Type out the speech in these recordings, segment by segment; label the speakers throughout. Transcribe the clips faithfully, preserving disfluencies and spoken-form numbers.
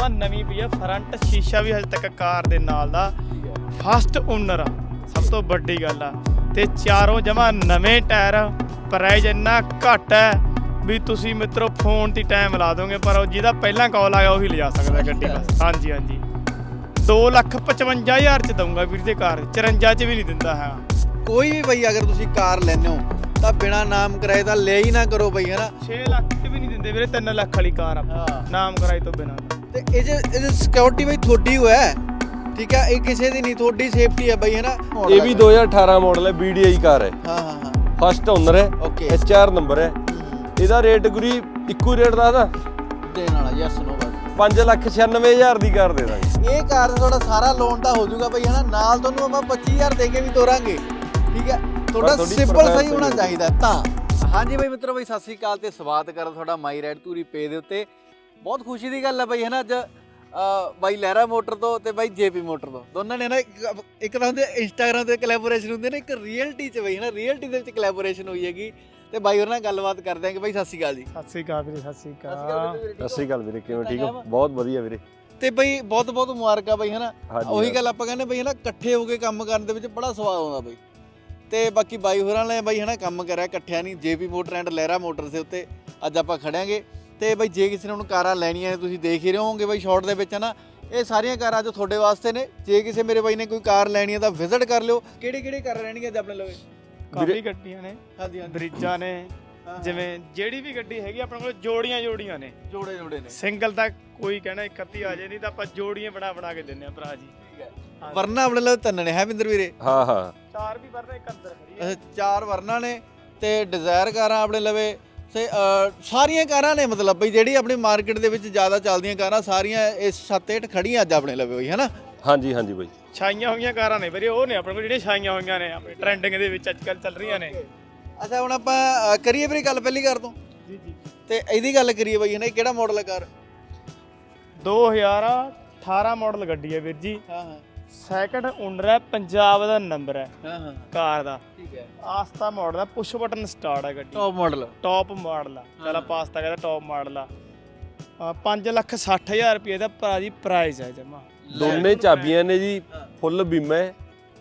Speaker 1: ਜਮਾ ਨਵੀਂ ਪਈ ਆ। ਫਰੰਟ ਸ਼ੀਸ਼ਾ ਵੀ ਹਜੇ ਤੱਕ ਕਾਰ ਦੇ ਨਾਲ ਦਾ ਫਸਟ ਓਨਰ ਆ, ਸਭ ਤੋਂ ਵੱਡੀ ਗੱਲ ਆ। ਤੇ ਚਾਰੋਂ ਜਮਾ ਨਵੇਂ ਟਾਇਰ। ਪ੍ਰਾਈਜ਼ ਇੰਨਾ ਘੱਟ ਹੈ ਵੀ ਤੁਸੀਂ ਮਿੱਤਰੋ ਫੋਨ ਤੇ ਟਾਈਮ ਲਾ ਦੋਗੇ, ਪਰ ਉਹ ਜਿਹਦਾ ਪਹਿਲਾਂ ਕਾਲ ਆਇਆ ਉਹੀ ਲਿਜਾ ਸਕਦਾ ਗੱਡੀ ਬਸ। ਹਾਂਜੀ ਹਾਂਜੀ ਦੋ ਲੱਖ ਪਚਵੰਜਾ ਹਜ਼ਾਰ ਚ ਦਊਂਗਾ ਵੀਰ ਦੇ ਕਾਰ, ਚੁਰੰਜਾ ਚ ਵੀ ਨਹੀਂ ਦਿੰਦਾ ਹੈ।
Speaker 2: ਕੋਈ ਵੀ ਬਈ ਅਗਰ ਤੁਸੀਂ ਕਾਰ ਲੈਂਦੇ ਹੋ ਤਾਂ ਬਿਨਾ ਨਾਮ ਕਰਾਏ ਤਾਂ ਲੈ ਹੀ ਨਾ ਕਰੋ ਬਈ, ਹੈ ਨਾ।
Speaker 1: ਛੇ ਲੱਖ ਚ ਵੀ ਨਹੀਂ ਦਿੰਦੇ ਵੀਰੇ, ਤਿੰਨ ਲੱਖ ਵਾਲੀ ਕਾਰ ਆ ਨਾਮ ਕਰਾਈ ਤੋਂ ਬਿਨਾਂ।
Speaker 2: ਤੇ ਇਹ ਜੇ ਇਹ ਸਿਕਿਉਰਿਟੀ ਬਈ ਤੁਹਾਡੀ ਹੋ ਹੈ, ਠੀਕ ਹੈ, ਇਹ ਕਿਸੇ ਦੀ ਨਹੀਂ, ਤੁਹਾਡੀ ਸੇਫਟੀ ਹੈ ਬਈ, ਹੈ ਨਾ।
Speaker 3: ਇਹ ਵੀ ਦੋ ਹਜ਼ਾਰ ਅਠਾਰਾਂ ਮਾਡਲ ਹੈ, ਬੀ ਡੀ ਆਈ ਕਾਰ ਹੈ।
Speaker 2: ਹਾਂ ਹਾਂ ਹਾਂ
Speaker 3: ਫਸਟ ਓਨਰ ਹੈ,
Speaker 2: ਓਕੇ।
Speaker 3: ਐਚ ਆਰ ਨੰਬਰ ਹੈ। ਇਹਦਾ ਰੇਟ ਗੁਰੀ ਇੱਕੋ ਰੇਟ ਦੱਸਦਾ
Speaker 2: ਦੇਣ ਵਾਲਾ ਯੈਸ ਨੋ ਬਸ
Speaker 3: ਪੰਜ ਲੱਖ ਛਿਆਨਵੇਂ ਹਜ਼ਾਰ ਦੀ ਕਾਰ ਦੇ ਦਾਂਗੇ।
Speaker 2: ਇਹ ਕਾਰ ਦਾ ਤੁਹਾਡਾ ਸਾਰਾ ਲੋਨ ਤਾਂ ਹੋ ਜਾਊਗਾ ਬਈ, ਹੈ ਨਾ। ਨਾਲ ਤੁਹਾਨੂੰ ਆਪਾਂ ਪੱਚੀ ਹਜ਼ਾਰ ਦੇ ਕੇ ਵੀ ਤੋਰਾਂਗੇ, ਠੀਕ ਹੈ। ਤੁਹਾਡਾ
Speaker 3: ਤੁਹਾਡੀ
Speaker 2: ਸਿੰਪਲ ਸਹੀ
Speaker 3: ਪ੍ਰੋਫਾਈਲ
Speaker 2: ਹੋਣਾ ਚਾਹੀਦਾ ਤਾਂ। ਹਾਂਜੀ ਬਈ ਮਿੱਤਰੋ, ਬਈ ਸਤਿ ਸ਼੍ਰੀ ਅਕਾਲ ਤੇ ਸਵਾਗਤ ਕਰਦਾ ਤੁਹਾਡਾ ਮਾਈ ਰਾਈਡ ਧੂਰੀ ਪੇ ਦੇ ਉੱਤੇ। ਬਹੁਤ ਖੁਸ਼ੀ ਦੀ ਗੱਲ ਹੈ ਬਈ, ਹੈ ਨਾ। ਅੱਜ ਬਾਈ ਲਹਿਰਾ ਮੋਟਰ ਤੋਂ ਤੇ ਬਾਈ ਜੇਪੀ ਮੋਟਰ ਤੋਂ ਦੋਨਾਂ ਨੇ ਨਾ ਇੱਕ ਇੱਕ ਤਾਂ ਹੁੰਦੇ ਇੰਸਟਾਗ੍ਰਾਮ ਤੇ ਕੋਲੈਬੋਰੇਸ਼ਨ ਹੁੰਦੇ ਨੇ, ਇੱਕ ਰੀਅਲਟੀ 'ਚ ਬਈ, ਹੈ ਨਾ। ਰੀਅਲਟੀ ਦੇ ਵਿੱਚ ਕੋਲੈਬੋਰੇਸ਼ਨ ਹੋਈ ਹੈਗੀ ਤੇ ਬਾਈ ਹੋਰ ਨਾਲ ਗੱਲਬਾਤ ਕਰਦੇ ਆਂਗੇ। ਬਾਈ ਸਤਿ ਸ਼੍ਰੀ ਅਕਾਲ ਜੀ।
Speaker 1: ਸਤਿ ਸ਼੍ਰੀ ਅਕਾਲ ਵੀਰੇ, ਸਤਿ ਸ਼੍ਰੀ ਅਕਾਲ।
Speaker 3: ਸਤਿ ਸ਼੍ਰੀ ਅਕਾਲ ਵੀਰੇ, ਕਿਵੇਂ ਠੀਕ ਹੋ? ਬਹੁਤ ਵਧੀਆ ਵੀਰੇ।
Speaker 2: ਤੇ ਬਈ ਬਹੁਤ ਬਹੁਤ ਮੁਬਾਰਕਾਂ ਬਈ, ਹੈ ਨਾ। ਉਹੀ ਗੱਲ ਆਪਾਂ ਕਹਿੰਦੇ ਬਈ, ਹੈ ਨਾ, ਇਕੱਠੇ ਹੋ ਕੇ ਕੰਮ ਕਰਨ ਦੇ ਵਿੱਚ ਬੜਾ ਸਵਾਦ ਆਉਂਦਾ ਬਈ। ਤੇ ਬਾਕੀ ਬਾਈ ਹੋਰਾਂ ਨੇ ਬਈ, ਹੈ ਨਾ, ਕੰਮ ਕਰਿਆ ਇਕੱਠਿਆਂ ਨਹੀਂ, JP motor and Lahira motor ਦੇ ਉੱਤੇ ਅੱਜ ਆਪਾਂ ਖੜਾਂਗੇ। ਤੇ ਬਈ ਜੇ ਕਿਸੇ ਨੇ ਹੁਣ ਕਾਰਾਂ ਲੈਣੀਆਂ ਨੇ, ਤੁਸੀਂ ਦੇਖ ਹੀ ਰਹੇ ਹੋਵੋਗੇ ਬਈ ਸ਼ਾਰਟ ਦੇ ਵਿੱਚ, ਹੈ ਨਾ। ਇਹ ਸਾਰੀਆਂ ਕਾਰਾਂ ਜੋ ਤੁਹਾਡੇ ਵਾਸਤੇ ਨੇ। ਜੇ ਕਿਸੇ ਮੇਰੇ ਬਾਈ ਨੇ ਕੋਈ ਕਾਰ ਲੈਣੀ ਹੈ ਤਾਂ ਵਿਜ਼ਿਟ ਕਰ ਲਿਓ। ਕਿਹੜੇ ਕਿਹੜੇ ਕਾਰਾਂ ਰਹਿਣਗੀਆਂ ਅੱਜ ਆਪਣੇ ਲਵੇ?
Speaker 1: ਕਾਫੀ ਗੱਡੀਆਂ ਨੇ,
Speaker 2: ਹਾਂਜੀ ਹਾਂਜੀ
Speaker 1: ਬ੍ਰਿਜਾਂ ਨੇ, ਜਿਵੇਂ ਜਿਹੜੀ ਵੀ ਗੱਡੀ ਹੈਗੀ ਆਪਣੇ ਕੋਲ ਜੋੜੀਆਂ ਜੋੜੀਆਂ ਨੇ,
Speaker 2: ਜੋੜੇ ਜੋੜੇ ਨੇ।
Speaker 1: ਸਿੰਗਲ ਤਾਂ ਕੋਈ ਕਹਿਣਾ ਇੱਕ ਅੱਧੀ ਆ ਜੇ, ਨਹੀਂ ਤਾਂ ਆਪਾਂ ਜੋੜੀਆਂ ਬਣਾ ਬਣਾ ਕੇ ਦਿੰਨੇ ਆ ਭਰਾ ਜੀ।
Speaker 2: ਵਰਨਾ ਆਪਣੇ ਲਵੇ ਤਿੰਨ ਨੇ, ਹੈ ਬਿੰਦਰ ਵੀਰੇ?
Speaker 3: ਹਾਂ ਹਾਂ
Speaker 1: ਚਾਰ ਵੀ ਵਰਨਾ, ਇੱਕ ਅੰਦਰ ਖੜੀ ਹੈ।
Speaker 2: ਅੱਛਾ, ਚਾਰ ਵਰਨਾ ਨੇ ਤੇ ਡਿਜ਼ਾਇਰ ਕਾਰਾਂ ਆਪਣੇ ਲਵੇ ਤੇ ਸਾਰੀਆਂ ਕਾਰਾਂ ਨੇ, ਮਤਲਬ ਬਈ ਜਿਹੜੀ ਆਪਣੀ ਮਾਰਕੀਟ ਦੇ ਵਿੱਚ ਜ਼ਿਆਦਾ ਚੱਲਦੀਆਂ ਕਾਰਾਂ ਸਾਰੀਆਂ ਇਸ ਛੱਤ ਹੇਠ ਖੜੀਆਂ ਅੱਜ ਆਪਣੇ ਲਵੇ ਬਈ, ਹੈ ਨਾ।
Speaker 3: ਹਾਂਜੀ ਹਾਂਜੀ ਬਾਈ,
Speaker 1: ਛਾਈਆਂ ਹੋਈਆਂ ਕਾਰਾਂ ਨੇ ਵੀਰੇ, ਉਹ ਨੇ ਆਪਣੇ ਕੋਲ ਜਿਹੜੀਆਂ ਛਾਈਆਂ ਹੋਈਆਂ ਨੇ, ਆਪਣੇ ਟ੍ਰੈਂਡਿੰਗ ਦੇ ਵਿੱਚ ਅੱਜ ਕੱਲ੍ਹ ਚੱਲ ਰਹੀਆਂ ਨੇ।
Speaker 2: ਅੱਛਾ, ਹੁਣ ਆਪਾਂ ਕਰੀਏ ਵੀਰੇ ਗੱਲ ਪਹਿਲੀ ਕਾਰ ਤੋਂ।
Speaker 1: ਜੀ ਜੀ
Speaker 2: ਤੇ ਇਹਦੀ ਗੱਲ ਕਰੀਏ ਬਈ, ਹੈ ਨਾ। ਕਿਹੜਾ ਮਾਡਲ ਹੈ ਕਾਰ?
Speaker 1: ਦੋ ਹਜ਼ਾਰ ਅਠਾਰਾਂ ਮਾਡਲ ਗੱਡੀ ਹੈ ਵੀਰ ਜੀ।
Speaker 2: ਹਾਂ ਹਾਂ
Speaker 1: ਸੈਕਿੰਡ ਓਨਰ ਹੈ, ਪੰਜਾਬ ਦਾ ਨੰਬਰ ਹੈ
Speaker 2: ਹਾਂ ਹਾਂ
Speaker 1: ਕਾਰ ਦਾ।
Speaker 2: ਠੀਕ ਹੈ।
Speaker 1: ਆਸਤਾ ਮਾਡਲ ਹੈ, ਪੁਸ਼ ਬਟਨ ਸਟਾਰਟ ਹੈ ਗੱਡੀ,
Speaker 2: ਟੌਪ ਮਾਡਲ।
Speaker 1: ਟੌਪ ਮਾਡਲ ਆ। ਚਲ ਆਪਾਂ ਆਸਤਾ ਕਹਿੰਦਾ ਟੌਪ ਮਾਡਲ ਆ। ਪੰਜ ਲੱਖ ਸੱਠ ਹਜ਼ਾਰ ਰੁਪਏ ਦਾ ਭਰਾ ਜੀ ਪ੍ਰਾਈਸ ਹੈ ਜਮਾ।
Speaker 3: ਦੋਨੇ ਚਾਬੀਆਂ ਨੇ ਜੀ, ਫੁੱਲ ਬੀਮਾ ਹੈ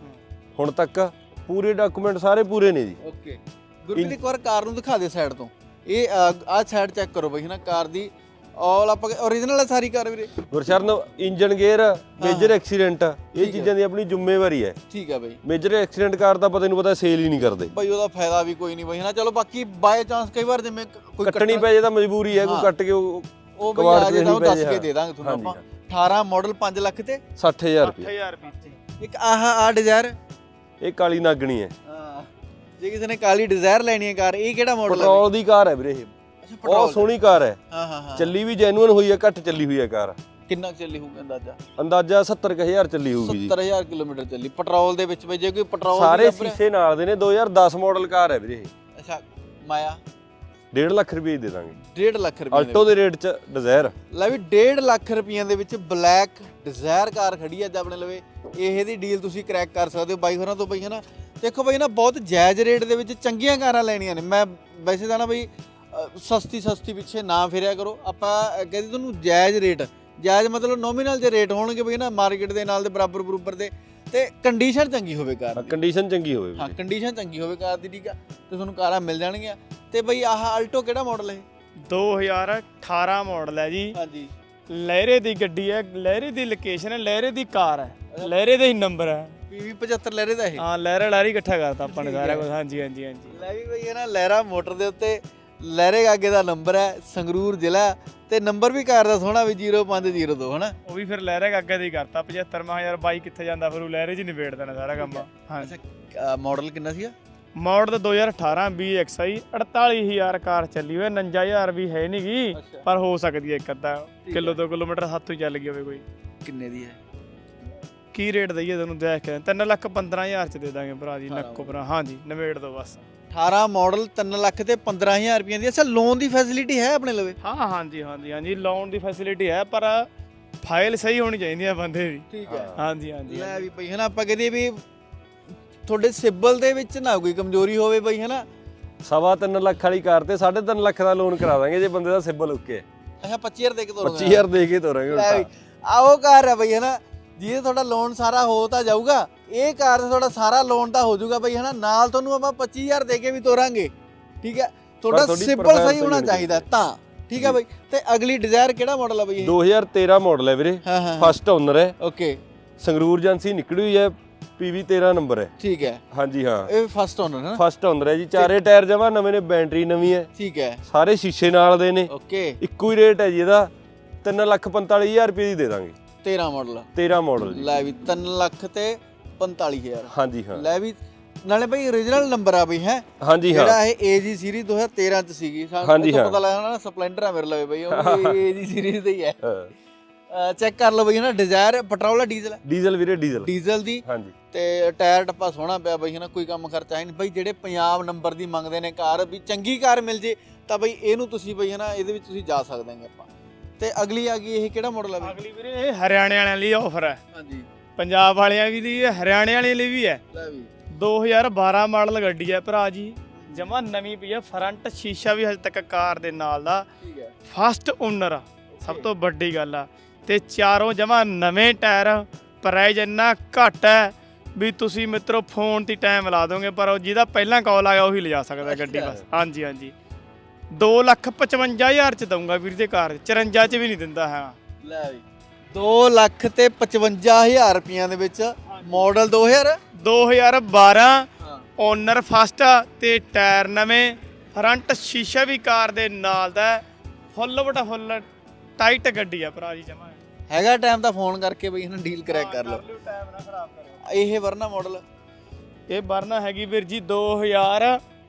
Speaker 3: ਹੁਣ ਤੱਕ, ਪੂਰੇ ਡਾਕੂਮੈਂਟ ਸਾਰੇ ਪੂਰੇ ਨੇ ਜੀ।
Speaker 2: ਓਕੇ ਗੁਰਪ੍ਰੀਤ, ਇੱਕ ਵਾਰ ਕਾਰ ਨੂੰ ਦਿਖਾ ਦੇ ਸਾਈਡ ਤੋਂ। ਇਹ ਆਹ ਸਾਈਡ ਚੈੱਕ ਕਰੋ ਬਈ, ਹੈ ਨਾ, ਕਾਰ ਦੀ ਆਲ ਆਪਾਂ ਓਰੀਜਨਲ ਹੈ ਸਾਰੀ ਕਾਰ ਵੀਰੇ।
Speaker 3: Gursharan, engine gear, major accident, ਇਹ ਚੀਜ਼ਾਂ ਦੀ ਆਪਣੀ ਜ਼ਿੰਮੇਵਾਰੀ ਹੈ।
Speaker 2: ਠੀਕ ਹੈ ਬਈ।
Speaker 3: ਮੇਜਰ ਐਕਸੀਡੈਂਟ ਕਾਰ ਤਾਂ ਪਤਾ ਨੂੰ ਪਤਾ ਸੇਲ ਹੀ ਨਹੀਂ ਕਰਦੇ
Speaker 2: ਬਈ, ਉਹਦਾ ਫਾਇਦਾ ਵੀ ਕੋਈ ਨਹੀਂ ਬਈ, ਹੈ ਨਾ। ਚਲੋ ਬਾਕੀ ਬਾਏ ਚਾਂਸ ਕਈ ਵਾਰ ਜਿਵੇਂ ਕੋਈ
Speaker 3: ਕੱਟਣੀ ਪੈ ਜੇ ਤਾਂ ਮਜਬੂਰੀ ਹੈ, ਕੋਈ ਕੱਟ ਕੇ ਉਹ
Speaker 2: ਉਹ ਬਈ ਆ ਜੇ ਤਾਂ ਉਹ ਦੱਸ ਕੇ ਦੇ ਦਾਂਗੇ ਤੁਹਾਨੂੰ ਆਪਾਂ। ਅਠਾਰਾਂ ਮਾਡਲ ਪੰਜ ਲੱਖ ਤੇ
Speaker 3: ਸੱਠ ਹਜ਼ਾਰ
Speaker 1: ਸੱਠ
Speaker 3: ਰੁਪਏ।
Speaker 1: ਹਜ਼ਾਰ ਰੁਪਏ।
Speaker 2: ਇੱਕ ਆਹ ਆ ਡਿਜ਼ਾਇਰ,
Speaker 3: ਇਹ ਕਾਲੀ ਨਾਗਣੀ ਹੈ।
Speaker 2: ਹਾਂ, ਜੇ ਕਿਸੇ ਨੇ ਕਾਲੀ ਡਿਜ਼ਾਇਰ ਲੈਣੀ ਹੈ ਕਾਰ, ਇਹ ਕਿਹੜਾ ਮਾਡਲ ਹੈ?
Speaker 3: ਪੈਟਰੋਲ ਦੀ ਕਾਰ ਹੈ ਵੀਰੇ ਇਹ, ਬਹੁਤ ਸੋਹਣੀ ਕਾਰ ਹੈ।
Speaker 2: ਹਾਂ ਹਾਂ ਹਾਂ
Speaker 3: ਚੱਲੀ ਵੀ ਜੈਨੂਅਨ ਹੋਈ ਹੈ, ਘੱਟ ਚੱਲੀ ਹੋਈ ਹੈ ਕਾਰ।
Speaker 2: ਕਿੰਨਾ ਚੱਲੀ ਹੋਊਗੀ ਅੰਦਾਜ਼ਾ?
Speaker 3: ਅੰਦਾਜ਼ਾ ਸੱਤਰ ਕੁ ਹਜ਼ਾਰ ਚੱਲੀ ਹੋਊਗੀ ਜੀ।
Speaker 2: ਸੱਤਰ ਹਜ਼ਾਰ ਕਿਲੋਮੀਟਰ ਚੱਲੀ ਪੈਟਰੋਲ ਦੇ ਵਿੱਚ ਬਈ। ਜੇ ਕੋਈ ਪੈਟਰੋਲ
Speaker 3: ਸਾਰੇ ਸ਼ੀਸ਼ੇ ਨਾਲ ਦੇ ਨੇ, ਦੋ ਹਜ਼ਾਰ ਦਸ ਮਾਡਲ ਕਾਰ ਹੈ ਵੀਰੇ ਇਹ।
Speaker 2: ਅੱਛਾ, ਮਾਇਆ
Speaker 3: ਡੇਢ ਲੱਖ ਰੁਪਏ ਦੇ ਦਾਂਗੇ।
Speaker 2: ਡੇਢ ਲੱਖ ਰੁਪਏ
Speaker 3: ਆਲਟੋ ਦੇ ਰੇਟ ਚ ਡਿਜ਼ਾਇਰ
Speaker 2: ਲੈ ਵੀ ਡੇਢ ਲੱਖ ਰੁਪਈਆਂ ਦੇ ਵਿੱਚ ਬਲੈਕ ਡਿਜ਼ਾਇਰ ਕਾਰ ਖੜੀ ਹੈ ਅੱਜ ਆਪਣੇ ਲਵੇ। ਇਹ ਦੀ ਡੀਲ ਤੁਸੀਂ ਕਰੈਕ ਕਰ ਸਕਦੇ ਹੋ ਬਾਈ ਹੋਰਾਂ ਤੋਂ ਬਈ, ਹੈ ਨਾ। ਦੇਖੋ ਬਈ ਨਾ, ਬਹੁਤ ਜਾਇਜ਼ ਰੇਟ ਦੇ ਵਿੱਚ ਚੰਗੀਆਂ ਕਾਰਾਂ ਲੈਣੀਆਂ ਨੇ। ਮੈਂ ਵੈਸੇ ਤਾਂ ਨਾ ਬਈ ਸਸਤੀ ਸਸਤੀ ਪਿੱਛੇ ਨਾ ਫਿਰਿਆ ਕਰੋ। ਆਪਾਂ ਕਹਿੰਦੇ ਤੁਹਾਨੂੰ ਜਾਇਜ਼ ਰੇਟ, ਜਾਇਜ਼ ਮਤਲਬ ਨੋਮੀਨਲ ਜੇ ਰੇਟ ਹੋਣਗੇ ਬਈ ਨਾ, ਮਾਰਕੀਟ ਦੇ ਨਾਲ ਦੇ ਬਰਾਬਰ ਬਰੂਬਰ ਦੇ, ਤੇ ਕੰਡੀਸ਼ਨ ਚੰਗੀ ਹੋਵੇ ਕਾਰ ਦੀ।
Speaker 3: ਕੰਡੀਸ਼ਨ ਚੰਗੀ ਹੋਵੇ
Speaker 2: ਹਾਂ, ਕੰਡੀਸ਼ਨ ਚੰਗੀ ਹੋਵੇ ਕਾਰ ਦੀ, ਠੀਕ ਆ, ਤੇ ਤੁਹਾਨੂੰ ਕਾਰਾਂ ਮਿਲ ਜਾਣਗੀਆਂ। ਤੇ ਬਈ ਆਹ ਆਲਟੋ ਕਿਹੜਾ ਮਾਡਲ ਹੈ?
Speaker 1: ਦੋ ਹਜ਼ਾਰ ਅਠਾਰਾਂ ਮਾਡਲ ਹੈ ਜੀ।
Speaker 2: ਹਾਂਜੀ,
Speaker 1: ਲਹਿਰੇ ਦੀ ਗੱਡੀ ਹੈ, ਲਹਿਰੇ ਦੀ ਲੋਕੇਸ਼ਨ ਹੈ, ਲਹਿਰੇ ਦੀ ਕਾਰ ਹੈ, ਲਹਿਰੇ ਦਾ ਹੀ ਨੰਬਰ ਹੈ।
Speaker 2: ਪੀਵੀ ਪਝੱਤਰ ਲਹਿਰੇ ਦਾ ਇਹ।
Speaker 1: ਹਾਂ, ਲਹਿਰਾ ਲਹਿਰੀ ਇਕੱਠਾ ਕਰਤਾ ਆਪਾਂ ਨੇ ਸਾਰਾ ਕੁਝ। ਹਾਂਜੀ ਹਾਂਜੀ ਹਾਂਜੀ
Speaker 2: ਲੈ ਵੀ ਬਈ, ਹੈ ਨਾ, ਲਹਿਰਾ ਮੋਟਰ ਦੇ ਉੱਤੇ ਲਹਿਰੇ ਗਾਗੇ ਦਾ ਨੰਬਰ ਹੈ, ਸੰਗਰੂਰ ਜ਼ਿਲ੍ਹਾ, ਤੇ ਨੰਬਰ ਵੀ ਕਾਰ ਦਾ ਸੋਹਣਾ ਵੀ ਜ਼ੀਰੋ ਪੰਜ ਜ਼ੀਰੋ ਦੋ, ਹਨਾ।
Speaker 1: ਉਹ ਵੀ ਫਿਰ ਲਹਿਰੇ ਅੱਗੇ ਦੀ ਕਰਤਾ ਪਝੱਤਰ। ਮੈਂ ਯਾਰ ਬਾਈ ਕਿੱਥੇ ਜਾਂਦਾ, ਫਿਰ ਉਹ ਲਹਿਰੇ 'ਚ ਹੀ ਨਿਬੇੜ ਦੇਣਾ ਸਾਰਾ ਕੰਮ। ਹਾਂ,
Speaker 2: ਅੱਛਾ, ਮਾਡਲ ਕਿੰਨਾ ਸੀਗਾ?
Speaker 1: ਮਾਡਲ ਦੋ ਹਜ਼ਾਰ ਅਠਾਰਾਂ ਬੀ ਐਕਸ ਆਈ। ਅੜਤਾਲੀ ਹਜ਼ਾਰ ਕਾਰ ਚੱਲੀ ਹੋਈ, ਉਨੰਜਾ ਹਜ਼ਾਰ ਵੀ ਹੈ ਨਹੀਂ ਗੀ, ਪਰ ਹੋ ਸਕਦੀ ਹੈ ਇੱਕ ਅੱਧਾ ਕਿਲੋ ਦੋ ਕਿਲੋਮੀਟਰ ਹੱਥੋਂ ਚੱਲ ਗਈ ਹੋਵੇ ਕੋਈ।
Speaker 2: ਕਿੰਨੇ ਦੀ ਹੈ?
Speaker 1: ਕੀ ਰੇਟ ਦਈਏ ਤੁਹਾਨੂੰ ਦੇਖ ਕੇ? ਤਿੰਨ ਲੱਖ ਪੰਦਰਾਂ ਹਜ਼ਾਰ ਚ ਦੇ ਦਾਂਗੇ ਭਰਾ ਜੀ, ਨੱਕੋ ਭਰਾ। ਹਾਂਜੀ, ਨਿਬੇੜ ਦੋ ਬਸ।
Speaker 2: ਅਠਾਰਾਂ ਮਾਡਲ ਤਿੰਨ ਲੱਖ ਤੇ ਪੰਦਰਾਂ ਹਜ਼ਾਰ ਰੁਪਈਆਂ ਦੀ। ਅੱਛਾ, ਲੋਨ ਦੀ ਫੈਸਿਲਿਟੀ ਹੈ ਆਪਣੇ ਲਵੇ?
Speaker 1: ਹਾਂ ਹਾਂਜੀ ਹਾਂਜੀ ਹਾਂਜੀ, ਲੋਨ ਦੀ ਫੈਸਿਲਿਟੀ ਹੈ, ਪਰ ਫਾਈਲ ਸਹੀ ਹੋਣੀ ਚਾਹੀਦੀ ਹੈ ਬੰਦੇ ਦੀ।
Speaker 2: ਠੀਕ ਹੈ।
Speaker 1: ਹਾਂਜੀ ਹਾਂਜੀ
Speaker 2: ਲੈ ਵੀ ਬਈ, ਹੈ ਨਾ, ਆਪਾਂ ਕਹਦੇ ਵੀ ਤੁਹਾਡੇ ਸਿਬਲ ਦੇ ਵਿੱਚ ਨਾ ਕੋਈ ਕਮਜ਼ੋਰੀ ਹੋਵੇ ਬਈ, ਹੈ ਨਾ।
Speaker 3: ਸਵਾ ਤਿੰਨ ਲੱਖ ਵਾਲੀ ਕਾਰ ਤੇ ਸਾਢੇ ਤਿੰਨ ਲੱਖ ਦਾ ਲੋਨ ਕਰਾ ਦਾਂਗੇ ਜੇ ਬੰਦੇ ਦਾ ਸਿਬਲ ਓਕੇ ਹੈ।
Speaker 2: ਅੱਛਾ ਪੱਚੀ ਹਜ਼ਾਰ ਦੇ ਕੇ ਤੋਰੋਗੇ?
Speaker 3: ਪੱਚੀ ਹਜ਼ਾਰ ਦੇ ਕੇ ਤੋਰਾਂਗੇ
Speaker 2: ਲੈ ਵੀ ਆ ਉਹ ਕਾਰ ਹੈ ਬਈ ਹਨਾ, ਜਿਹਦੇ ਤੁਹਾਡਾ ਲੋਨ ਸਾਰਾ ਹੋ ਤਾਂ ਜਾਊਗਾ, ਇਹ ਕਾਰ ਦਾ ਤੁਹਾਡਾ ਸਾਰਾ ਲੋਨ ਤਾਂ ਹੋ ਜਾਊਗਾ ਬਈ ਹਨਾ, ਨਾਲ ਤੁਹਾਨੂੰ ਆਪਾਂ ਪੱਚੀ ਹਜ਼ਾਰ ਦੇ ਕੇ ਵੀ ਤੋਰਾਂਗੇ। ਠੀਕ ਹੈ, ਤੁਹਾਡਾ
Speaker 3: ਤੁਹਾਡੀ
Speaker 2: ਸਿੰਪਲ
Speaker 3: profile
Speaker 2: ਸਹੀ ਹੋਣਾ
Speaker 3: ਸਹੀ
Speaker 2: ਚਾਹੀਦਾ ਤਾਂ। ਠੀਕ ਹੈ ਬਈ, ਤੇ ਅਗਲੀ ਡਿਜ਼ਾਇਰ ਕਿਹੜਾ ਮਾਡਲ ਆ ਬਈ ਇਹ?
Speaker 3: ਦੋ ਹਜ਼ਾਰ ਤੇਰਾਂ ਮਾਡਲ ਹੈ ਵੀਰੇ,
Speaker 2: ਹਾਂ ਹਾਂ
Speaker 3: ਫਸਟ ਓਨਰ ਹੈ,
Speaker 2: ਓਕੇ
Speaker 3: ਸੰਗਰੂਰ ਏਜੰਸੀ ਨਿਕਲੀ ਹੋਈ ਹੈ, ਪੀਵੀ ਤੇਰਾਂ ਨੰਬਰ ਹੈ।
Speaker 2: ਠੀਕ ਹੈ,
Speaker 3: ਹਾਂਜੀ ਹਾਂ
Speaker 2: ਇਹ ਫਸਟ ਓਨਰ ਹੈ।
Speaker 3: ਫਸਟ ਓਨਰ ਹੈ ਜੀ, ਚਾਰੇ ਟਾਇਰ ਜਮਾ ਨਵੇਂ ਨੇ, ਬੈਟਰੀ ਨਵੀਂ ਹੈ,
Speaker 2: ਠੀਕ ਹੈ,
Speaker 3: ਸਾਰੇ ਸ਼ੀਸ਼ੇ ਨਾਲ ਦੇ ਨੇ,
Speaker 2: ਓਕੇ
Speaker 3: ਇੱਕੋ ਹੀ ਰੇਟ ਹੈ ਜੀ ਇਹਦਾ, ਤਿੰਨ ਲੱਖ ਪੰਤਾਲੀ ਹਜ਼ਾਰ ਰੁਪਏ ਦੀ ਦੇ ਦਾਂਗੇ।
Speaker 2: ਤੇਰਾਂ ਮਾਡਲ
Speaker 3: ਤੇਰਾਂ ਮਾਡਲ ਜੀ।
Speaker 2: ਲੈ ਵੀ ਤਿੰਨ ਲੱਖ ਤੇ ਪੰਤਾਲੀ ਹਜ਼ਾਰ।
Speaker 3: ਹਾਂਜੀ ਹਾਂ
Speaker 2: ਲੈ ਵੀ ਨਾਲੇ ਬਈ origignal ਨੰਬਰ ਆ ਬਈ ਹੈ,
Speaker 3: ਹਾਂਜੀ ਹਾਂ
Speaker 2: ਜਿਹੜਾ ਇਹ ਏਜੀ ਸੀਰੀਜ਼ ਦੋ ਹਜ਼ਾਰ ਤੇਰਾਂ ਚ ਸੀਗੀ।
Speaker 3: ਹਾਂਜੀ
Speaker 2: ਸਾਨੂੰ
Speaker 3: ਹਾਂ।
Speaker 2: ਪਤਾ ਲੱਗਦਾ ਨਾ ਸਪਲੈਂਡਰ ਆ ਮੇਰੇ ਲਵੇ ਬਈ, ਉਹ ਏਜੀ ਸੀਰੀਜ਼ ਦਾ ਹੀ ਹੈ।
Speaker 3: ਹਾਂ।
Speaker 2: ਚੈੱਕ ਕਰ ਲਓ ਬਈ ਨਾ, ਡਿਜ਼ਾਇਰ ਪੈਟਰੋਲ ਆ ਡੀਜ਼ਲ?
Speaker 3: ਡੀਜ਼ਲ ਵੀਰੇ, ਡੀਜ਼ਲ
Speaker 2: ਡੀਜ਼ਲ ਦੀ।
Speaker 3: ਹਾਂਜੀ
Speaker 2: ਤੇ ਟਾਇਰ ਟੱਪਾ ਸੋਹਣਾ ਪਿਆ ਬਈ ਹਨਾ, ਕੋਈ ਕੰਮ ਖਰਚਾ ਹੈ ਨਹੀਂ ਬਈ। ਜਿਹੜੇ ਪੰਜਾਬ ਨੰਬਰ ਦੀ ਮੰਗਦੇ ਨੇ ਕਾਰ, ਵੀ ਚੰਗੀ ਕਾਰ ਮਿਲ ਜੇ ਤਾਂ ਬਈ ਇਹਨੂੰ ਤੁਸੀਂ ਬਈ ਹਨਾ, ਇਹਦੇ ਵਿੱਚ ਤੁਸੀਂ ਜਾ ਸਕਦੇ ਹੋ ਆਪਾਂ। ਤੇ ਅਗਲੀ ਆ ਗਈ, ਇਹ ਕਿਹੜਾ ਮਾਡਲ ਆ ਬਈ?
Speaker 1: ਅਗਲੀ ਵੀਰੇ ਇਹ ਹਰਿਆਣੇ ਵਾਲਿਆਂ ਲਈ ਆਫਰ ਹੈ,
Speaker 2: ਹਾਂਜੀ
Speaker 1: ਪੰਜਾਬ ਵਾਲਿਆਂ ਵੀ ਦੀ ਹੈ, ਹਰਿਆਣੇ ਵਾਲਿਆਂ ਲਈ ਵੀ ਹੈ।
Speaker 2: ਲੈ ਵੀ
Speaker 1: ਦੋ ਹਜ਼ਾਰ ਬਾਰਾਂ ਮਾਡਲ ਗੱਡੀ ਹੈ ਭਰਾ ਜੀ, ਜਮਾ ਨਵੀਂ ਪਈ ਹੈ, ਫਰੰਟ ਸ਼ੀਸ਼ਾ ਵੀ ਹਜੇ ਤੱਕ ਕਾਰ ਦੇ ਨਾਲ ਦਾ,
Speaker 2: ਠੀਕ ਹੈ,
Speaker 1: ਫਸਟ ਓਨਰ ਆ, ਸਭ ਤੋਂ ਵੱਡੀ ਗੱਲ ਆ। ਤੇ ਚਾਰੋਂ ਜਮਾ ਨਵੇਂ ਟਾਇਰ, ਪ੍ਰਾਈਸ ਇੰਨਾ ਘੱਟ ਹੈ ਵੀ ਤੁਸੀਂ ਮਿੱਤਰੋ ਫੋਨ ਤੇ ਟਾਈਮ ਲਾ ਦੋਗੇ, ਪਰ ਉਹ ਜਿਹਦਾ ਪਹਿਲਾਂ ਕਾਲ ਆ ਗਿਆ ਉਹੀ ਲਿਜਾ ਸਕਦਾ ਗੱਡੀ ਬਸ। ਹਾਂਜੀ ਹਾਂਜੀ, ਦੋ ਲੱਖ ਪਚਵੰਜਾ ਹਜ਼ਾਰ ਚ ਦਊਂਗਾ ਵੀਰ ਦੇ ਕਾਰ, ਚੁਰੰਜਾ ਚ ਵੀ ਨਹੀਂ ਦਿੰਦਾ ਹੈ।
Speaker 2: ਲੈ ਵੀ ਦੋ ਲੱਖ ਤੇ ਪਚਵੰਜਾ ਹਜ਼ਾਰ ਰੁਪਈਆਂ ਦੇ ਵਿੱਚ ਮਾਡਲ ਦੋ ਹਜ਼ਾਰ
Speaker 1: ਦੋ ਹਜ਼ਾਰ ਬਾਰਾਂ,
Speaker 2: ਹਾਂ
Speaker 1: ਓਨਰ ਫਸਟ ਤੇ ਟਾਇਰ ਨਵੇਂ, ਫਰੰਟ ਸ਼ੀਸ਼ਾ ਵੀ ਕਾਰ ਦੇ ਨਾਲ ਦਾ, ਫੁੱਲ ਬਟਾ ਫੁੱਲ ਟਾਈਟ ਗੱਡੀ ਆ ਭਰਾ ਜੀ ਜਮਾ।
Speaker 2: ਹੈਗਾ ਟਾਈਮ ਤਾਂ ਫੋਨ ਕਰਕੇ ਬਈ ਇਹਨਾਂ ਡੀਲ ਕਰੈਕ ਕਰ ਲਓ।
Speaker 1: ਟਾਈਮ ਨਾ ਖਰਾਬ ਕਰਿਓ।
Speaker 2: ਇਹ ਵਰਨਾ ਮਾਡਲ
Speaker 1: ਇਹ ਵਰਨਾ ਹੈਗੀ ਵੀਰ ਜੀ ਦੋ ਹਜ਼ਾਰ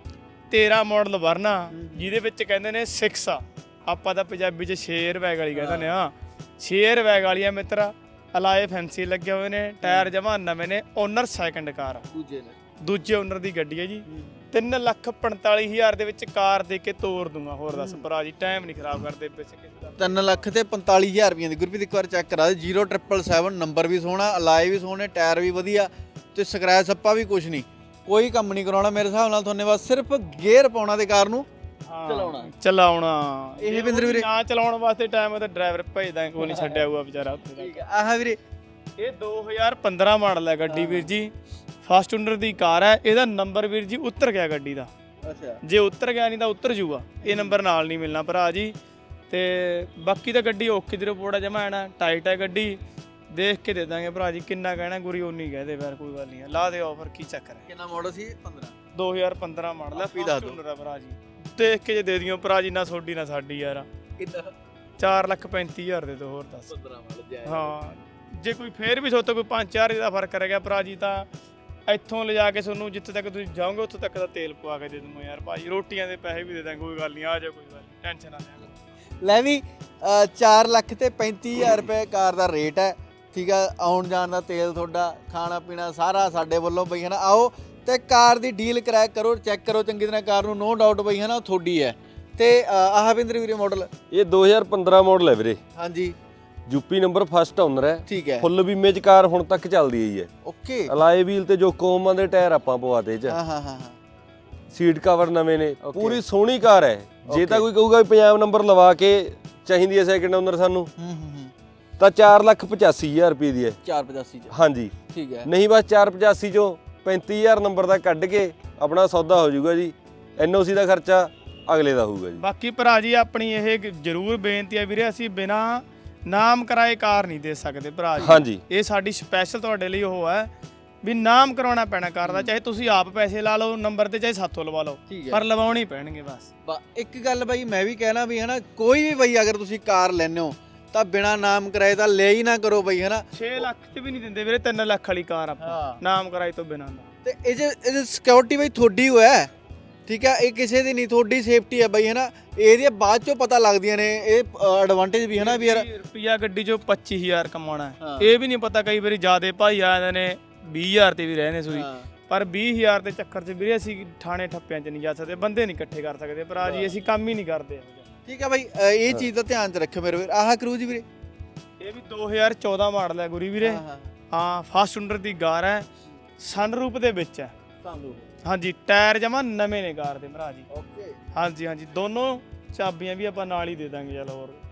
Speaker 1: ਤੇਰਾਂ ਮਾਡਲ ਵਰਨਾ, ਜਿਹਦੇ ਵਿੱਚ ਕਹਿੰਦੇ ਨੇ ਛੇ ਆ, ਆਪਾਂ ਤਾਂ ਪੰਜਾਬੀ ਚ ਛੇ ਰੁਪਏ ਵਾਲੀ ਕਹਿੰਦੇ ਨੇ। ਹਾਂ ਛੇ ਰੁਪਏ ਵਾਲੀ ਆ ਮਿੱਤਰਾ, ਅਲਾਏ ਫੈਂਸੀ ਲੱਗੇ ਹੋਏ ਨੇ, ਟਾਇਰ ਜਮਾ ਨਵੇਂ ਨੇ, ਓਨਰ ਸੈਕੰਡ ਕਾਰ,
Speaker 2: ਦੂਜੇ ਨੇ
Speaker 1: ਦੂਜੇ ਓਨਰ ਦੀ ਗੱਡੀ ਹੈ ਜੀ। ਤਿੰਨ ਲੱਖ ਪੰਤਾਲੀ ਹਜ਼ਾਰ ਦੇ ਵਿੱਚ ਕਾਰ ਦੇ ਕੇ ਤੋਰ ਦੂੰਗਾ। ਹੋਰ ਦੱਸ ਭਰਾ ਜੀ, ਟਾਈਮ ਨਹੀਂ ਖਰਾਬ ਕਰਦੇ ਪਿੱਛੇ ਕਿਸੇ ਦਾ।
Speaker 2: ਤਿੰਨ ਲੱਖ ਤੇ ਪੰਤਾਲੀ ਹਜ਼ਾਰ ਰੁਪਈਆਂ ਦੀ ਗੁਰਪ੍ਰੀਤ ਇੱਕ ਵਾਰ ਚੈੱਕ ਕਰਾ ਦੇ। ਜ਼ੀਰੋ ਟ੍ਰਿਪਲ ਸੈਵਨ ਨੰਬਰ ਵੀ ਸੋਹਣਾ, ਅਲਾਏ ਵੀ ਸੋਹਣੇ, ਟਾਇਰ ਵੀ ਵਧੀਆ, ਤੇ ਸਕ੍ਰੈਚ ਸੱਪਾ ਵੀ ਕੁਝ ਨਹੀਂ, ਕੋਈ ਕੰਮ ਨਹੀਂ ਕਰਾਉਣਾ ਮੇਰੇ ਹਿਸਾਬ ਨਾਲ। ਤੁਹਾਨੂੰ ਬਸ ਸਿਰਫ ਗੇਅਰ ਪਾਉਣਾ ਤੇ ਕਾਰ ਨੂੰ ਚਲਾਉਣਾ
Speaker 1: ਚਲਾਉਣਾ।
Speaker 2: ਇਹ ਬਿੰਦਰ ਵੀਰੇ
Speaker 1: ਨਾ ਚਲਾਉਣ ਵਾਸਤੇ ਟਾਈਮ ਉਹਦਾ ਡਰਾਈਵਰ ਭੇਜਦਾ, ਕੋਈ ਨਹੀਂ ਛੱਡਿਆ ਹੋਊਗਾ ਵਿਚਾਰਾ ਉੱਥੇ ਤੱਕ।
Speaker 2: ਠੀਕ ਹੈ। ਆਹ ਵੀਰੇ
Speaker 1: ਇਹ ਦੋ ਹਜ਼ਾਰ ਪੰਦਰਾਂ ਮਾਡਲ ਹੈ ਗੱਡੀ ਵੀਰ ਜੀ, ਫਸਟ ਓਨਰ ਦੀ ਕਾਰ ਹੈ। ਇਹਦਾ ਨੰਬਰ ਵੀਰ ਜੀ ਉਤਰ ਗਿਆ ਗੱਡੀ ਦਾ,
Speaker 2: ਅੱਛਾ
Speaker 1: ਜੇ ਉਤਰ ਗਿਆ ਨਹੀਂ ਤਾਂ ਉਤਰ ਜੂਗਾ, ਇਹ ਨੰਬਰ ਨਾਲ ਨਹੀਂ ਮਿਲਣਾ ਭਰਾ ਜੀ। ਤੇ ਬਾਕੀ ਤਾਂ ਗੱਡੀ ਓਕੇ ਦੀ ਰਿਪੋਰਟ ਹੈ, ਜਮਾ ਐਨਾ ਟਾਈਟ ਹੈ ਗੱਡੀ, ਦੇਖ ਕੇ ਦੇ ਦਾਂਗੇ ਭਰਾ ਜੀ। ਕਿੰਨਾ ਕਹਿਣਾ ਗੁਰੀ ਉਨੀ ਕਹਦੇ ਫਿਰ, ਕੋਈ ਗੱਲ ਨਹੀਂ, ਲਾ ਦੇ ਆਫਰ, ਕੀ ਚੱਕਰ ਹੈ।
Speaker 2: ਕਿੰਨਾ ਮਾਡਲ ਸੀ? ਪੰਦਰਾਂ
Speaker 1: ਦੋ ਹਜ਼ਾਰ ਪੰਦਰਾਂ ਮਾਡਲ ਹੈ,
Speaker 2: ਵੀ ਦੱਸ
Speaker 1: ਫਸਟ
Speaker 2: ਦਿਓ।
Speaker 1: ਓਨਰ ਹੈ ਭਰਾ ਜੀ। ਦੇਖ ਕੇ ਜੇ ਦੇ ਦਿਓ ਭਰਾ ਜੀ, ਨਾ ਤੁਹਾਡੀ ਨਾ ਸਾਡੀ ਯਾਰ।
Speaker 2: ਕਿੰਨਾ?
Speaker 1: ਚਾਰ ਲੱਖ ਪੈਂਤੀ ਹਜ਼ਾਰ ਦੇ ਦੋ, ਹੋਰ ਦੱਸ।
Speaker 2: ਪੰਦਰਾਂ ਮਾਡਲ ਜਾਇਜ਼।
Speaker 1: ਹਾਂ ਜੇ ਕੋਈ ਫੇਰ ਵੀ ਸੋਤੋਂ ਕੋਈ ਪੰਜ ਚਾਰ ਦਾ ਫਰਕ ਰਹਿ ਗਿਆ ਭਰਾ ਜੀ, ਤਾਂ ਇੱਥੋਂ ਲਿਜਾ ਕੇ ਤੁਹਾਨੂੰ ਜਿੱਥੇ ਤੱਕ ਤੁਸੀਂ ਜਾਓਗੇ ਉੱਥੇ ਤੱਕ ਦਾ ਤੇਲ ਪਵਾ ਕੇ ਦੇ ਦੂੰਗਾ ਯਾਰ ਭਾਜੀ, ਰੋਟੀਆਂ ਦੇ ਪੈਸੇ ਵੀ ਦੇ ਦਾਂਗੇ, ਕੋਈ ਗੱਲ ਨਹੀਂ, ਆ ਜਾ ਕੋਈ ਗੱਲ ਨਹੀਂ, ਟੈਨਸ਼ਨ ਨਾ ਲੈ।
Speaker 2: ਲੈ ਵੀ ਚਾਰ ਲੱਖ ਤੇ ਪੈਂਤੀ ਹਜ਼ਾਰ ਰੁਪਏ ਕਾਰ ਦਾ ਰੇਟ ਹੈ। ਠੀਕ ਆ, ਆਉਣ ਜਾਣ ਦਾ ਤੇਲ, ਤੁਹਾਡਾ ਖਾਣਾ ਪੀਣਾ ਸਾਰਾ ਸਾਡੇ ਵੱਲੋਂ ਬਈ ਹਨਾ। ਆਓ ਤੇ ਕਾਰ ਦੀ ਡੀਲ ਕਰੈਕ ਕਰੋ, ਚੈੱਕ ਕਰੋ ਚੰਗੀ ਤਰ੍ਹਾਂ ਕਾਰ ਨੂੰ, ਨੋ ਡਾਊਟ ਬਈ ਹਨਾ, ਉਹ ਤੁਹਾਡੀ ਹੈ। ਤੇ ਆਹ ਬਿੰਦਰ ਵੀਰੇ ਮਾਡਲ?
Speaker 3: ਇਹ ਦੋ ਹਜ਼ਾਰ ਪੰਦਰਾਂ ਮਾਡਲ ਹੈ ਵੀਰੇ,
Speaker 2: ਹਾਂਜੀ
Speaker 3: ਯੂਪੀ ਨੰਬਰ, ਫਸਟ ਓਨਰ ਹੈ,
Speaker 2: ਠੀਕ ਹੈ,
Speaker 3: ਫੁੱਲ ਬੀਮੇ ਚ ਕਾਰ ਹੁਣ ਤੱਕ ਚੱਲਦੀ ਆਈ ਹੈ।
Speaker 2: ਓਕੇ।
Speaker 3: ਅਲਾਏ ਵੀਲ ਤੇ ਜੋ ਕੋਮਾਂ ਦੇ ਟਾਇਰ ਆਪਾਂ ਪਵਾਤੇ ਚ,
Speaker 2: ਹਾਂ ਹਾਂ ਹਾਂ ਹਾਂ
Speaker 3: ਸੀਟ ਕਵਰ ਨਵੇਂ ਨੇ,
Speaker 2: Okay.
Speaker 3: ਪੂਰੀ ਸੋਹਣੀ ਕਾਰ ਹੈ। ਜੇ ਤਾਂ
Speaker 2: Okay.
Speaker 3: ਕੋਈ ਕਹੂਗਾ ਵੀ ਪੰਜਾਬ ਨੰਬਰ ਲਵਾ ਕੇ ਚਾਹੀਦੀ ਹੈ ਸੈਕਿੰਡ ਓਨਰ ਸਾਨੂੰ,
Speaker 2: ਹੂੰ ਹੂੰ ਹੂੰ
Speaker 3: ਤਾਂ ਚਾਰ ਲੱਖ ਪਚਾਸੀ ਹਜ਼ਾਰ ਰੁਪਏ ਦੀ ਹੈ।
Speaker 2: ਚਾਰ ਪਚਾਸੀ ਚ?
Speaker 3: ਹਾਂਜੀ
Speaker 2: ਠੀਕ ਹੈ।
Speaker 3: ਨਹੀਂ ਬਸ ਚਾਰ ਪਚਾਸੀ ਚੋਂ ਪੈਂਤੀ ਹਜ਼ਾਰ ਨੰਬਰ ਦਾ ਕੱਢ ਕੇ ਆਪਣਾ ਸੌਦਾ ਹੋ ਜਾਊਗਾ ਜੀ। ਐਨਓਸੀ ਦਾ ਖਰਚਾ ਅਗਲੇ ਦਾ ਹੋਊਗਾ ਜੀ।
Speaker 1: ਬਾਕੀ ਭਰਾ ਜੀ ਆਪਣੀ ਇਹ ਜ਼ਰੂਰ ਬੇਨਤੀ ਹੈ ਵੀਰੇ, ਅਸੀਂ ਬਿਨਾ ਨਾਮ ਕਰਾਏ ਕਾਰ ਨਹੀਂ ਦੇ ਸਕਦੇ ਭਰਾ ਜੀ।
Speaker 3: ਹਾਂਜੀ
Speaker 1: ਇਹ ਸਾਡੀ ਸਪੈਸ਼ਲ ਤੁਹਾਡੇ ਲਈ ਉਹ ਹੈ ਵੀ ਨਾਮ ਕਰਾਉਣਾ ਪੈਣਾ ਕਾਰ ਦਾ, ਚਾਹੇ ਤੁਸੀਂ ਆਪ ਪੈਸੇ ਲਾ ਲਓ ਨੰਬਰ ਤੇ, ਚਾਹੇ ਸਾਥੋਂ ਲਵਾ ਲਓ,
Speaker 2: ਠੀਕ ਹੈ।
Speaker 1: ਪਰ ਲਵਾਉਣੇ ਪੈਣਗੇ ਬਸ।
Speaker 2: ਬਾ ਇੱਕ ਗੱਲ ਬਈ ਮੈਂ ਵੀ ਕਹਿਣਾ ਵੀ ਹਨਾ, ਕੋਈ ਵੀ ਬਈ ਅਗਰ ਤੁਸੀਂ ਕਾਰ ਲੈਣੇ ਹੋ ਤਾਂ ਬਿਨਾ ਨਾਮ ਕਰਾਏ ਤਾਂ ਲੈ ਹੀ ਨਾ ਕਰੋ ਬਈ ਹਨਾ।
Speaker 1: ਛੇ ਲੱਖ ਚ ਵੀ ਨਹੀਂ ਦਿੰਦੇ ਵੀਰੇ, ਤਿੰਨ ਲੱਖ ਵਾਲੀ ਕਾਰ ਆਪਾਂ
Speaker 2: ਹਾਂ।
Speaker 1: ਨਾਮ ਕਰਾਏ ਤੋਂ ਬਿਨਾਂ ਦਾ।
Speaker 2: ਤੇ ਇਹ ਜੇ ਇਹ ਸਿਕਿਉਰਿਟੀ ਬਈ ਤੁਹਾਡੀ ਹੋਇਆ, ਠੀਕ ਹੈ, ਇਹ ਕਿਸੇ ਦੀ ਨਹੀਂ, ਤੁਹਾਡੀ ਸੇਫਟੀ ਹੈ ਬਈ ਹਨਾ। ਇਹਦੀਆਂ ਬਾਅਦ ਚੋਂ ਪਤਾ ਲੱਗਦੀਆਂ ਨੇ, ਇਹ ਐਡਵਾਂਟੇਜ ਵੀ ਹਨਾ ਵੀ ਯਾਰ
Speaker 1: ਰੁਪਿਆ ਗੱਡੀ ਚੋਂ ਪੱਚੀ ਹਜ਼ਾਰ ਕਮਾਉਣਾ ਹੈ,
Speaker 2: ਹਾਂ।
Speaker 1: ਇਹ ਵੀ ਨਹੀਂ ਪਤਾ, ਕਈ ਵਾਰੀ ਜਿਆਦੇ ਭਾਈ ਆ ਜਾਂਦੇ ਨੇ ਵੀਹ ਹਜ਼ਾਰ ਤੇ ਵੀ ਰਹਿੰਦੇ ਸੂਈ,
Speaker 2: ਹਾਂ।
Speaker 1: ਪਰ ਵੀਹ ਹਜ਼ਾਰ ਦੇ ਚੱਕਰ 'ਚ ਵੀਰੇ ਅਸੀਂ ਥਾਣੇ ਠੱਪਿਆਂ 'ਚ ਨਹੀਂ ਜਾ ਸਕਦੇ, ਬੰਦੇ ਨਹੀਂ ਇਕੱਠੇ ਕਰ ਸਕਦੇ ਭਰਾ ਜੀ, ਅਸੀਂ ਕੰਮ ਹੀ ਨਹੀਂ ਕਰਦੇ।
Speaker 2: ਠੀਕ ਹੈ ਬਾਈ, ਅ, ਇਹ ਚੀਜ਼ ਦਾ ਧਿਆਨ ਚ ਰੱਖਿਓ ਮੇਰੇ ਵੀਰ। ਆਹ ਕਰੂਜ਼ ਵੀਰੇ?
Speaker 1: ਇਹ ਵੀ ਦੋ ਹਜ਼ਾਰ ਚੌਦਾਂ ਮਾਡਲ ਹੈ ਗੁਰੀ ਵੀਰੇ।
Speaker 2: ਹਾਂ ਹਾਂ
Speaker 1: ਹਾਂ ਫਸਟ ਓਨਰ ਦੀ ਕਾਰ ਹੈ, ਸਨਰੂਪ ਦੇ ਵਿੱਚ ਹੈ।
Speaker 2: ਸਾਨੂੰ
Speaker 1: ਹਾਂਜੀ ਟਾਇਰ ਜਮਾ ਨਵੇਂ ਨੇ ਕਾਰ ਦੇ ਭਰਾ ਜੀ।
Speaker 2: ਓਕੇ।
Speaker 1: ਹਾਂਜੀ ਹਾਂਜੀ ਦੋਨੋਂ ਚਾਬੀਆਂ ਵੀ ਆਪਾਂ ਨਾਲ ਹੀ ਦੇ ਦਾਂਗੇ, ਚਲ ਹੋਰ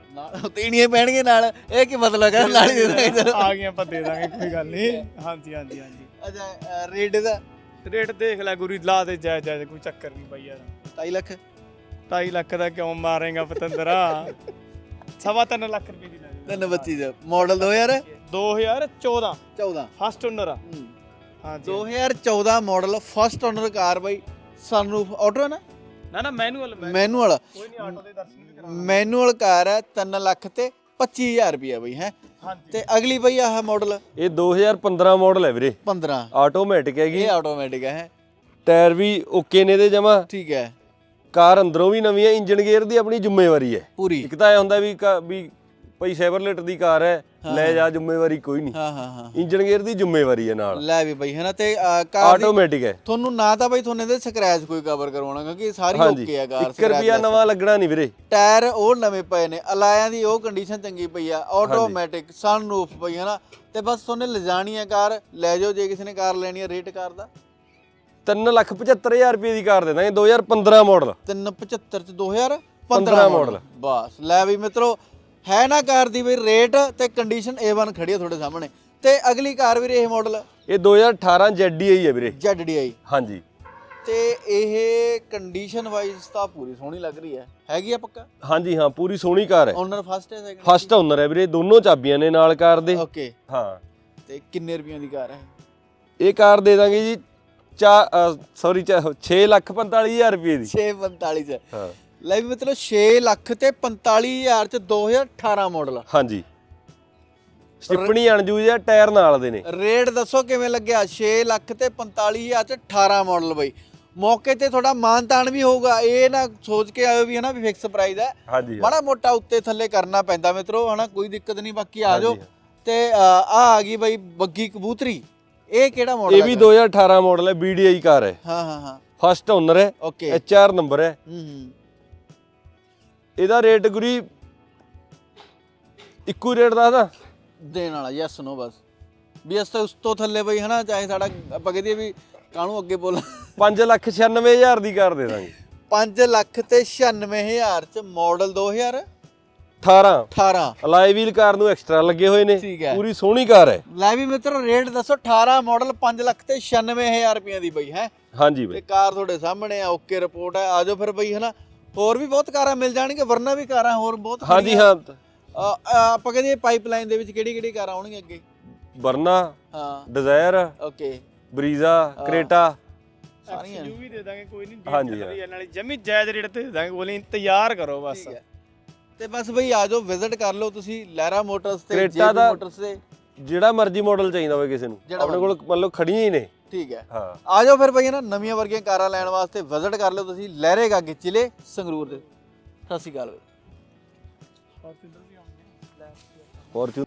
Speaker 2: ਨਾਲ ਤੀਣੀਆਂ ਪੈਣਗੇ ਨਾਲ, ਇਹ ਕੀ ਮਤਲਬ ਹੈ? ਨਾਲ ਹੀ ਦੇ ਦਾਂਗੇ ਚਲੋ।
Speaker 1: ਆ ਗਈਆਂ ਆਪਾਂ ਦੇ ਦਾਂਗੇ, ਕੋਈ ਗੱਲ ਨਹੀਂ। ਹਾਂਜੀ ਹਾਂਜੀ ਹਾਂਜੀ
Speaker 2: ਅੱਛਾ ਰੇਟ ਦਾ
Speaker 1: ਰੇਟ ਦੇਖ ਲੈ ਗੁਰੀ, ਲਾ ਦੇ ਜਾਇਜ਼ ਜਾਇਜ਼, ਕੋਈ ਚੱਕਰ ਨਹੀਂ ਬਾਈ ਯਾਰ।
Speaker 2: ਢਾਈ ਲੱਖ
Speaker 1: ਢਾਈ ਲੱਖ ਦਾ ਕਿਉਂ ਮਾਰੇਗਾ ਪਤੰਦਰਾ? ਸਵਾ ਤਿੰਨ ਲੱਖ ਰੁਪਏ ਦੀ ਲੈ ਜਾਓ।
Speaker 2: ਤਿੰਨ ਬੱਚੀ ਦਾ ਮਾਡਲ ਦੋ ਹਜ਼ਾਰ
Speaker 1: ਦੋ ਹਜ਼ਾਰ ਚੌਦਾਂ
Speaker 2: ਚੌਦਾਂ
Speaker 1: ਫਸਟ ਓਨਰ ਆ। ਹਾਂਜੀ
Speaker 2: ਦੋ ਹਜ਼ਾਰ ਚੌਦਾਂ ਮਾਡਲ ਫਸਟ ਓਨਰ ਕਾਰ ਬਾਈ। ਸਨਰੂਫ ਆਟੋ ਹੈ ਨਾ?
Speaker 1: ਨਾ ਨਾ ਮੈਨੂਅਲ
Speaker 2: ਮੈਨੂਅਲ
Speaker 1: ਕੋਈ ਨਹੀਂ, ਆਟੋ ਦੇ ਦਰਸ਼ਨ ਵੀ ਕਰਾ।
Speaker 2: ਮੈਨੂਅਲ ਕਾਰ ਹੈ, ਤਿੰਨ ਲੱਖ ਤੇ ਪੱਚੀ ਹਜ਼ਾਰ ਰੁਪਇਆ ਬਈ ਹੈ।
Speaker 1: ਹਾਂਜੀ
Speaker 2: ਤੇ ਅਗਲੀ ਬਈ ਆਹ ਮਾਡਲ
Speaker 3: ਇਹ ਦੋ ਹਜ਼ਾਰ ਪੰਦਰਾਂ ਮਾਡਲ ਹੈ ਵੀਰੇ,
Speaker 2: ਪੰਦਰਾਂ,
Speaker 3: ਆਟੋਮੈਟਿਕ ਹੈਗੀ,
Speaker 2: ਇਹ ਆਟੋਮੈਟਿਕ ਹੈ।
Speaker 3: ਟਾਇਰ ਵੀ ਓਕੇ ਨੇ ਇਹਦੇ ਜਮਾ,
Speaker 2: ਠੀਕ ਹੈ,
Speaker 3: ਕਾਰ ਅੰਦਰੋਂ ਵੀ ਨਵੀਂ ਹੈ, ਇੰਜਨ ਗੇਅਰ ਦੀ ਆਪਣੀ ਜ਼ਿੰਮੇਵਾਰੀ ਹੈ
Speaker 2: ਪੂਰੀ।
Speaker 3: ਇੱਕ ਤਾਂ ਇਹ ਹੁੰਦਾ ਵੀ ਕਾ- ਵੀ ਭਈ ਸੈਵਰਲੇਟ ਦੀ ਕਾਰ ਹੈ, ਲੈ ਜਾ, ਜ਼ਿੰਮੇਵਾਰੀ ਕੋਈ ਨਹੀਂ,
Speaker 2: ਹਾਂ ਹਾਂ ਹਾਂ
Speaker 3: ਇੰਜਨ ਗੇਅਰ ਦੀ ਜ਼ਿੰਮੇਵਾਰੀ ਹੈ ਨਾਲ,
Speaker 2: ਲੈ ਵੀ ਬਈ ਹੈ ਨਾ। ਤੇ ਅਹ, ਕਾਰ ਦੀ
Speaker 3: ਆਟੋਮੈਟਿਕ ਹੈ।
Speaker 2: ਤੁਹਾਨੂੰ ਨਾ ਤਾਂ ਬਈ ਤੁਹਾਨੂੰ ਇਹਦੇ ਸਕ੍ਰੈਚ ਕੋਈ ਕਵਰ ਕਰਵਾਉਣਾ, ਕਿਉਂਕਿ ਸਾਰੀ
Speaker 3: ਹਾਂਜੀ
Speaker 2: ਓਕੇ ਆ ਕਾਰ।
Speaker 3: ਇੱਕ ਰੁਪਿਆ ਨਵਾਂ ਲੱਗਣਾ ਨਹੀਂ ਵੀਰੇ।
Speaker 2: ਟਾਇਰ ਉਹ ਨਵੇਂ ਪਏ ਨੇ, ਅਲਾਇਆਂ ਦੀ ਉਹ ਕੰਡੀਸ਼ਨ ਚੰਗੀ ਪਈ ਆ, ਆਟੋਮੈਟਿਕ, ਸਨਰੂਫ ਪਈ ਹੈ ਨਾ। ਤੇ ਬਸ ਤੁਹਾਨੂੰ ਲਿਜਾਣੀ ਹੈ ਕਾਰ, ਲੈ ਜਾਓ ਜੇ ਕਿਸੇ ਨੇ ਕਾਰ ਲੈਣੀ ਹੈ। ਰੇਟ ਕਾਰ ਦਾ
Speaker 3: ਤਿੰਨ ਲੱਖ ਪਝੱਤਰ ਹਜ਼ਾਰ ਰੁਪਏ ਦੀ ਕਾਰ ਦੇ ਦਾਂਗੇ, ਦੋ ਹਜ਼ਾਰ ਪੰਦਰਾਂ ਮਾਡਲ।
Speaker 2: ਤਿੰਨ ਪਚੱਤਰ ਚ ਦੋ ਹਜ਼ਾਰ
Speaker 3: ਪੰਦਰਾਂ
Speaker 2: ਪੰਦਰਾਂ
Speaker 3: ਮਾਡਲ।
Speaker 2: ਮਾਡਲ। ਬਸ ਲੈ ਵੀ ਮਿੱਤਰੋ, ਹੈ ਨਾ ਕਾਰ ਦੀ ਬਈ ਰੇਟ ਤੇ ਕੰਡੀਸ਼ਨ ਏ ਵਨ ਖੜੀ ਆ ਤੁਹਾਡੇ ਸਾਹਮਣੇ। ਤੇ ਅਗਲੀ ਕਾਰ ਵੀਰੇ ਇਹ ਮਾਡਲ
Speaker 3: ਇਹ ਦੋ ਹਜ਼ਾਰ ਅਠਾਰਾਂ ਜ਼ੈਡ ਡੀ ਆਈ ਹੈ ਵੀਰੇ।
Speaker 2: Z D I.
Speaker 3: ਹਾਂਜੀ
Speaker 2: ਤੇ ਇਹ ਕੰਡੀਸ਼ਨ ਵਾਈਜ਼ ਤਾਂ ਪੂਰੀ ਸੋਹਣੀ ਲੱਗ ਰਹੀ ਹੈ, ਹੈਗੀ ਆ ਪੱਕਾ?
Speaker 3: ਹਾਂਜੀ ਹਾਂ, ਪੂਰੀ ਸੋਹਣੀ ਕਾਰ ਹੈ।
Speaker 2: ਓਨਰ ਫਸਟ ਹੈ ਸੈਕਿੰਡ?
Speaker 3: ਫਸਟ ਓਨਰ ਹੈ ਵੀਰੇ, ਦੋਨੋਂ ਚਾਬੀਆਂ ਨੇ ਨਾਲ ਕਾਰ ਦੇ।
Speaker 2: ਓਕੇ।
Speaker 3: ਹਾਂ
Speaker 2: ਤੇ ਕਿੰਨੇ ਰੁਪਈਆਂ ਦੀ ਕਾਰ ਹੈ
Speaker 3: ਇਹ ਕਾਰ ਦੇ ਦਾਂਗੇ ਜੀ ਚਾ ਸੌਰੀ ਛੇ ਲੱਖ ਪੰਤਾਲੀ ਹਜ਼ਾਰ ਰੁਪਏ ਦੀ।
Speaker 2: ਛੇ ਪੰਤਾਲੀ ਚ?
Speaker 3: ਹਾਂ
Speaker 2: ਲੈ ਵੀ ਮਤਲਬ ਛੇ ਲੱਖ ਤੇ ਪੰਤਾਲੀ ਹਜ਼ਾਰ ਚ ਦੋ ਹਜ਼ਾਰ ਅਠਾਰਾਂ ਮਾਡਲ।
Speaker 3: ਹਾਂਜੀ ਸਟਿੱਪਣੀ ਅਣਜੂਜ ਹੈ, ਟਾਇਰ ਨਾਲ ਦੇ ਨੇ।
Speaker 2: ਰੇਟ ਦੱਸੋ ਕਿਵੇਂ ਲੱਗਿਆ? ਛੇ ਲੱਖ ਤੇ ਪੰਤਾਲੀ ਹਜ਼ਾਰ ਚ ਅਠਾਰਾਂ ਮਾਡਲ ਬਈ। ਮੌਕੇ ਤੇ ਥੋੜਾ ਮਾਨ ਤਾਨ ਵੀ ਹੋਊਗਾ, ਇਹ ਨਾ ਸੋਚ ਕੇ ਆਇਓ ਵੀ ਹਨਾ ਵੀ ਫਿਕਸ ਪ੍ਰਾਈਸ ਹੈ।
Speaker 3: ਹਾਂਜੀ
Speaker 2: ਮਾੜਾ ਮੋਟਾ ਉੱਤੇ ਥੱਲੇ ਕਰਨਾ ਪੈਂਦਾ ਮਿੱਤਰੋ, ਹਨਾ ਕੋਈ ਦਿੱਕਤ ਨਹੀਂ। ਬਾਕੀ ਆ ਜਾਓ। ਤੇ ਆ ਆ ਗਈ ਬਈ ਬੱਗੀ ਕਬੂਤਰੀ, ਇਹ ਕਿਹੜਾ ਮਾਡਲ ਹੈ?
Speaker 3: ਇਹ ਵੀ ਦੋ ਹਜ਼ਾਰ ਅਠਾਰਾਂ ਮਾਡਲ ਹੈ, ਬੀ ਡੀ ਆਈ ਕਾਰ ਹੈ।
Speaker 2: ਹਾਂ ਹਾਂ ਹਾਂ
Speaker 3: ਫਸਟ ਓਨਰ ਹੈ,
Speaker 2: ਓਕੇ।
Speaker 3: ਐਚ ਆਰ ਨੰਬਰ ਹੈ।
Speaker 2: ਹੂੰ ਹੂੰ
Speaker 3: ਇਹਦਾ ਰੇਟ ਗੁਰੀ ਇੱਕੋ ਰੇਟ ਦੱਸਦਾ
Speaker 2: ਦੇਣ ਵਾਲਾ, ਯੈਸ ਨੋ ਬਸ। ਵੀ ਇਸ ਤੋਂ ਉਸ ਤੋਂ ਥੱਲੇ ਬਈ ਹਨਾ, ਚਾਹੇ ਸਾਡਾ ਆਪਾਂ ਕਹਦੇ ਵੀ ਕਾਹਨੂੰ ਅੱਗੇ ਬੋਲ।
Speaker 3: ਪੰਜ ਲੱਖ ਛਿਆਨਵੇਂ ਹਜ਼ਾਰ ਦੀ ਕਾਰ ਦੇ ਦਾਂਗੇ।
Speaker 2: ਪੰਜ ਲੱਖ ਤੇ ਛਿਆਨਵੇਂ ਹਜ਼ਾਰ ਚ ਮਾਡਲ ਦੋ ਹਜ਼ਾਰ
Speaker 3: ਅਠਾਰਾਂ
Speaker 2: ਅਠਾਰਾਂ।
Speaker 3: ਅਲਾਈ ਵੀਲ ਕਾਰ ਨੂੰ ਐਕਸਟਰਾ ਲੱਗੇ ਹੋਏ ਨੇ,
Speaker 2: ਠੀਕ ਹੈ।
Speaker 3: ਪੂਰੀ ਸੋਹਣੀ ਕਾਰ ਹੈ।
Speaker 2: ਲੈ ਵੀ ਮਿੱਤਰੋ ਰੇਟ ਦੱਸੋ, ਅਠਾਰਾਂ ਮਾਡਲ ਪੰਜ ਲੱਖ ਤੇ ਛਿਆਨਵੇਂ ਹਜ਼ਾਰ ਰੁਪਈਆਂ ਦੀ ਬਈ ਹੈ।
Speaker 3: ਹਾਂਜੀ
Speaker 2: ਤੇ
Speaker 3: ਬਈ
Speaker 2: ਕਾਰ ਤੁਹਾਡੇ ਸਾਹਮਣੇ ਆ, ਓਕੇ ਰਿਪੋਰਟ ਹੈ। ਆਜੋ ਫਿਰ ਬਈ ਹਨਾ, ਹੋਰ ਵੀ ਬਹੁਤ ਕਾਰਾਂ ਮਿਲ ਜਾਣਗੀਆਂ, ਵਰਨਾ ਵੀ ਕਾਰਾਂ ਹੋਰ ਬਹੁਤ
Speaker 3: ਹਾਂਜੀ ਹਾਂ,
Speaker 2: ਅ, ਅ, ਆਪਾਂ ਕਹਿੰਦੇ ਪਾਈਪਲਾਈਨ ਦੇ ਵਿੱਚ ਕਿਹੜੀ ਕਿਹੜੀ ਕਾਰਾਂ ਆਉਣਗੀਆਂ ਅੱਗੇ?
Speaker 3: ਵਰਨਾ,
Speaker 2: ਹਾਂ
Speaker 3: ਡਿਜ਼ਾਇਰ,
Speaker 2: ਓਕੇ,
Speaker 3: ਬਰੀਜ਼ਾ, ਕਰੇਟਾ
Speaker 2: ਸਾਰੀਆਂ
Speaker 1: ਐਕਸਯੂ ਵੀ ਦੇ ਦਾਂਗੇ, ਕੋਈ ਨਹੀਂ।
Speaker 3: ਹਾਂਜੀ,
Speaker 1: ਹਾਂਜੀ ਨਾਲੇ ਜਮੀ ਜਾਇਜ਼ ਰੇਟ ਤੇ ਦੇ ਦਾਂਗੇ, ਬੋਲੀ ਇੰਤਜ਼ਾਰ ਕਰੋ ਬਸ।
Speaker 2: ਠੀਕ ਹੈ। ਤੇ ਬਸ ਬਈ ਆਜੋ, ਵਿਜ਼ਿਟ ਕਰ ਲਓ ਤੁਸੀਂ ਲਹਿਰਾ ਮੋਟਰਸ ਤੇ
Speaker 3: ਕਰੇਟਾ
Speaker 2: ਜੇਬੀ
Speaker 3: ਦਾ
Speaker 2: ਮੋਟਰਸ ਤੇ।
Speaker 3: ਜਿਹੜਾ ਮਰਜ਼ੀ ਮਾਡਲ ਚਾਹੀਦਾ ਹੋਵੇ ਕਿਸੇ ਨੂੰ,
Speaker 2: ਜਿਹੜਾ
Speaker 3: ਆਪਣੇ ਕੋਲ ਮੰਨ ਲਓ ਖੜੀਆਂ ਹੀ ਨੇ।
Speaker 2: ਠੀਕ ਹੈ।
Speaker 3: ਹਾਂ
Speaker 2: ਆਜੋ ਫਿਰ ਬਈ ਨਾ, ਨਵੀਆਂ ਵਰਗੀਆਂ ਕਾਰਾਂ ਲੈਣ ਵਾਸਤੇ ਵਿਜ਼ਿਟ ਕਰ ਲਓ ਤੁਸੀਂ ਲਹਿਰੇ ਗਾਗੇ ਜ਼ਿਲ੍ਹੇ ਸੰਗਰੂਰ ਦੇ। ਸਤਿ ਸ਼੍ਰੀ ਅਕਾਲ।
Speaker 3: ਫੋਰਚੂਨ